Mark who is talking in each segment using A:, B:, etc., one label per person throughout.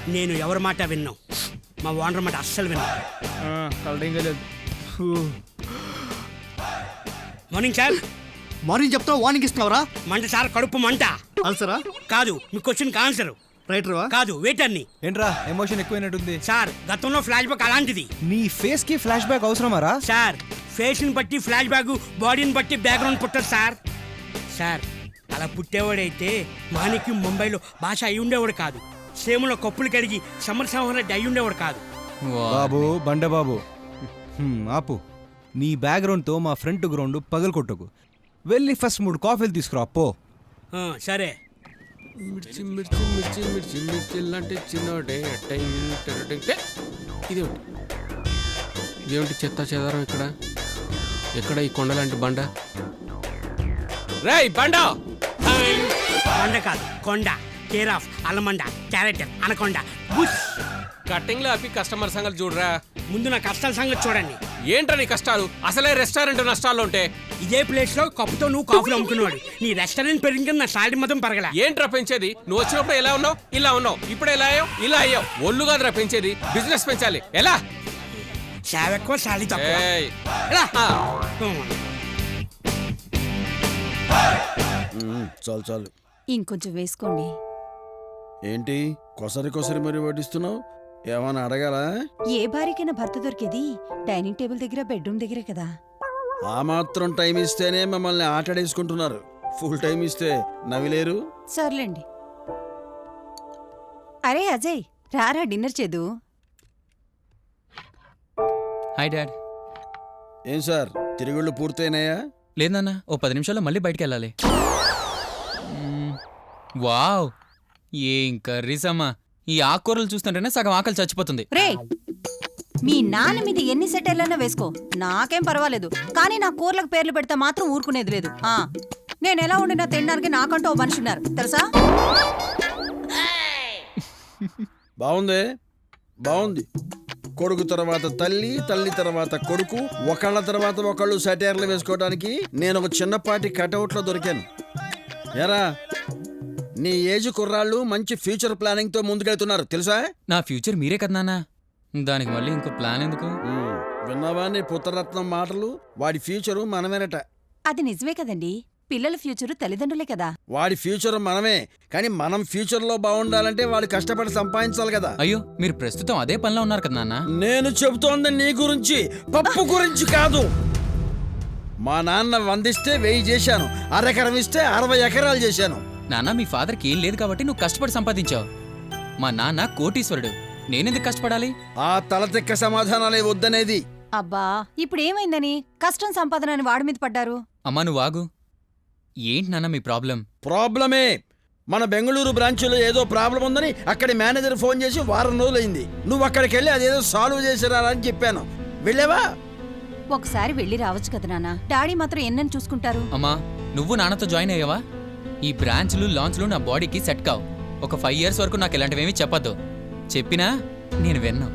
A: నేను ఎవరి మాట విన్నాం, మా ఓనర్ మాట అస్సలు విన్నాం. Morning sir.
B: మార్నింగ్ చెప్తావు, వార్నింగ్ ఇస్తున్నావురా?
A: మంట సార్, కడుపు మంట.
B: ఆన్సరా?
A: కాదు, మీ క్వశ్చన్కి ఆన్సర్.
B: రైటర్వా?
A: కాదు, వెయిటర్ని.
C: ఏంట్రా ఎమోషన్ ఎక్కువైనట్టుంది?
A: సార్, గతంలో ఫ్లాష్ బ్యాక్ అలాంటిది.
C: నీ ఫేస్ కి ఫ్లాష్ బ్యాక్ అవసరమారా?
A: సార్, ఫేస్ని బట్టి ఫ్లాష్ బ్యాక్, బాడీని బట్టి బ్యాక్గ్రౌండ్ పుట్టదు సార్. సార్, అలా పుట్టేవాడైతే మాణిక్యం ముంబైలో భాష అయి ఉండేవాడు కాదు. సేములో కప్పులు కడిగి సమరసింహారెడ్డి రెడ్డి అయి ఉండేవాడు కాదు.
C: బాబు బండబాబు, ఆపు. నీ బ్యాక్గ్రౌండ్తో మా ఫ్రంట్ గ్రౌండ్ పగలకొట్టకు. వెళ్ళి ఫస్ట్ 3 కాఫీలు తీసుకురా పో.
A: సరే.
D: మిర్చి మిర్చి మిర్చి మిర్చి మిర్చి లాంటి చిన్నోడే ఇదేమిటి చెత్త చెదారం ఇక్కడ? ఎక్కడ ఈ కొండ లాంటి బండ? రేయ్ బండ!
A: బండ కాదు, కొండ. కేర్ ఆఫ్ అల్లమండ, క్యారెక్టర్ అనకొండ. బుష్.
D: కట్టింగ్ లో ఆపి కస్టమర్ సంగతి చూడరా.
A: ముందు నా కష్టాల సంగతి చూడండి.
D: ఏంట్రా నీ కష్టాలు? అసలే రెస్టారెంట్ నష్టాల్లో ఉంటే
A: ఇదే ప్లేస్ లో కప్పుతో నువ్వు కాఫీలు అమ్ముకున్నాడు. నీ రెస్టారెంట్ పెరిగి నా సాలరీ మొత్తం పెరగల.
D: ఏంట్రా పెంచేది? నువ్వు వచ్చినప్పుడు ఎలా ఉన్నావు? ఇలా ఉన్నావు. ఇప్పుడు ఎలా అయ్యావు? ఇలా అయ్యావు. ఒళ్ళు కాదురా పెంచేది, బిజినెస్ పెంచాలి. ఎలా?
A: సేవ ఎక్కువ, సాలరీ తక్కువ.
D: ఏయ్.
A: ఎలా?
E: చాలు చాలు.
F: ఇంకొంచెం వేసుకోండి.
E: ఏంటి కొసరి కొసరి మరి వడ్డిస్తున్నావు? ఏమన్నా అడగాలా?
F: ఏ భార్యకైనా భర్త దొరికేది డైనింగ్ టేబుల్ దగ్గర, బెడ్రూమ్ దగ్గరే కదా.
E: ఆ మాత్రం టైం ఇస్తేనే మమ్మల్ని ఆటడేసుకుంటున్నారు. ఫుల్ టైం ఇస్తే నవ్విలేరు.
F: సర్లేండి. అరే అజయ్, రారా డిన్నర్ చేదు.
G: Hi dad.
E: ఏం సార్, తిరుగుళ్ళు పూర్తయినాయా?
G: లేదన్నా, ఓ 10 నిమిషాల్లో మళ్ళీ బయటికి వెళ్ళాలి. వావ్, ఏం కర్రీస్ అమ్మా. ఈ ఆకుకూరలు చూస్తుంటేనే సగం ఆకలి చచ్చిపోతుంది.
F: రే, మీ నాన్న మీద ఎన్ని సెటైర్లన్నా వేసుకో, నాకేం పర్వాలేదు. కానీ నా కూరలకు పేర్లు పెడితే మాత్రం ఊరుకునేది లేదు. నేను ఎలా ఉండినా తినడానికి నాకంటూ ఓ మనిషి ఉన్నారు తెలుసా.
E: బాగుంది, బాగుంది. కొడుకు తర్వాత తల్లి, తల్లి తర్వాత కొడుకు, ఒకళ్ళ తర్వాత ఒకళ్ళు సెటైర్లు వేసుకోవడానికి నేను ఒక చిన్నపాటి కటౌట్లో దొరికాను. ఏరా, నీ ఏజ్ కుర్రాళ్ళు మంచి ఫ్యూచర్ ప్లానింగ్ తో ముందుకెళ్తున్నారు తెలుసా?
G: నా ఫ్యూచర్ మీరే కదా నాన్న, దానికి మళ్ళీ ఇంకో ప్లాన్ ఎందుకు?
E: విన్నావా నీ పుత్రరత్నం మాటలు? వాడి ఫ్యూచరు మనమేనట.
F: అది నిజమే కదండి, పిల్లల ఫ్యూచరు తల్లిదండ్రులే కదా.
E: వాడి ఫ్యూచర్ మనమే, కానీ మనం ఫ్యూచర్ లో బాగుండాలంటే వాడు కష్టపడి సంపాదించాలి కదా.
G: అయ్యో, మీరు ప్రస్తుతం అదే పనిలో ఉన్నారు కదా నాన్న.
E: నేను చెబుతోంది నీ గురించి, పప్పు గురించి కాదు. మా నాన్న 100 ఇస్తే 1000 చేశాను, అరెకరం ఇస్తే 60 ఎకరాలు చేశాను.
G: నాన్న, మీ ఫాదర్కి ఏం లేదు కాబట్టి నువ్వు కష్టపడి సంపాదించావు. మా నాన్న కోటీశ్వరుడు, నేనెందుకు కష్టపడాలి?
E: ఆ తలతిక్క సమాధానాలే వద్దనేది.
F: అబ్బా, ఇప్పుడు ఏమైందని కష్టం సంపాదన అని వాడి మీద పడ్డారు?
G: అమ్మా నువ్వు ఆగు. ఏంటి నాన్న మీ ప్రాబ్లం?
E: ప్రాబ్లమే. మన బెంగళూరు బ్రాంచ్లో ఏదో ప్రాబ్లం ఉందని అక్కడి మేనేజర్ ఫోన్ చేసి 1 వారం రోజులైంది. నువ్వు అక్కడికి వెళ్ళి అదేదో సాల్వ్ చేసిరా అని చెప్పాను. వెళ్ళావా?
F: ఒకసారి వెళ్ళి రావచ్చు కదా నాన్న. డాడీ మాత్రం ఎన్నని చూసుకుంటారు.
G: అమ్మా, నువ్వు నాన్నతో జాయిన్ అయ్యావా? ఈ బ్రాంచ్లు లాంచ్లు నా బాడీకి సెట్ కావు. ఒక 5 years వరకు నాకు ఇలాంటివేమీ చెప్పద్దు. చెప్పినా నేను విన్నా.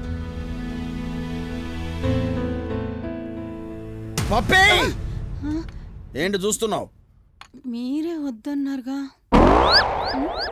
E: పప్పే, ఏంటి చూస్తున్నావు?
F: మీరే వద్దన్నారుగా.